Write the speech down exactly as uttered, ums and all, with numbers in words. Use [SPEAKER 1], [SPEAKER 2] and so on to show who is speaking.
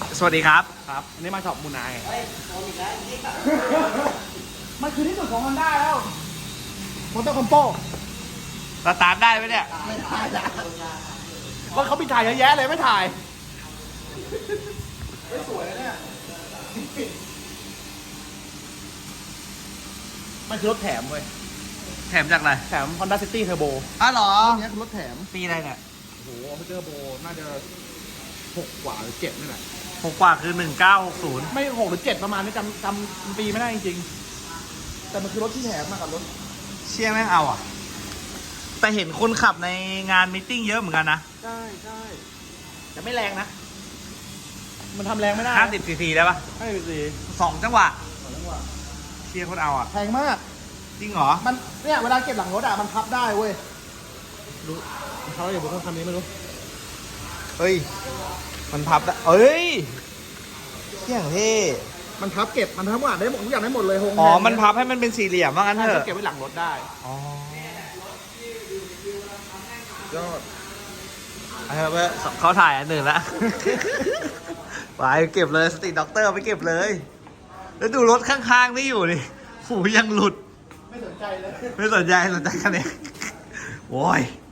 [SPEAKER 1] สวัสดีครับ
[SPEAKER 2] ครับอันนี้มาช็อปมูนายมันคือที่สุดของฮอนด้าแล้วมอเตอร์คอมโป
[SPEAKER 1] สตาร์ทได้ไหมเนี่ย
[SPEAKER 2] ไม่ถ่ายแล้วว่าเขามีถ่ายเยอะแยะเลยไม่ถ่ายไม่สวยนะเนี่ยมันคือรถแถมเว้ย
[SPEAKER 1] แถมจากอะไร
[SPEAKER 2] แถม Honda City Turbo
[SPEAKER 1] อ้าวเหรอ
[SPEAKER 2] อันนี้คือรถแถม
[SPEAKER 1] ปีอะไรเนี่ย
[SPEAKER 2] โอ้โหเทอร์โบน่าจะหกกว่าหรือเจ็ดนี่แหละ
[SPEAKER 1] หกกว่าคือหนึ่งเก้าหกศูนย์
[SPEAKER 2] ไม่หกหรือเจ็ดประมาณนี้จำจำปีไม่ได้จริงๆแต่มันคือรถที่แถมมากับรถ
[SPEAKER 1] เชี่ยแม่งเอาอ่ะ แต่เห็นคนขับในงานมตติ팅เยอะเหมือนกันนะ
[SPEAKER 2] ใช่ใช่แต่ไม่แรงนะ มันทำแรงไม่ได้
[SPEAKER 1] ห้าสิบซีซีได้ปะ
[SPEAKER 2] ห้าสิบสี่
[SPEAKER 1] สองจังหวะ
[SPEAKER 2] สองจังหวะ
[SPEAKER 1] เชี่ยคนเอาอ่ะ
[SPEAKER 2] แพงมาก
[SPEAKER 1] จริงเหรอ
[SPEAKER 2] มันเนี่ยเวลาเก็บหลังรถอ่ะมันพับได้เว้ยดูเขาอย่าบอกว่าคันนี้ไม่รู้
[SPEAKER 1] เฮ้ย มันพับได้เอ้ยเชี่ยเท่
[SPEAKER 2] มันพับเก็บมันทั้งหมดได้หมดทุกอย่างได้หมดเลยโฮง
[SPEAKER 1] อ๋อ มันพับให้มันเป็นสี่เหลี่ยมว่างั้น
[SPEAKER 2] ใช่
[SPEAKER 1] เถอะ
[SPEAKER 2] เก็บไว้หลังรถได้
[SPEAKER 1] อ๋อย
[SPEAKER 2] อด
[SPEAKER 1] เอาเถอะเว้ยเขาถ่ายอันหนึ่งละ ไปเก็บเลยสติด็อกเตอร์ไปเก็บเลย แล้วดูรถข้างๆนี่อยู่ดิหูยังหลุด
[SPEAKER 2] ไม่สนใจเลย
[SPEAKER 1] ไม่สนใจสนใจคันนี้โว้ย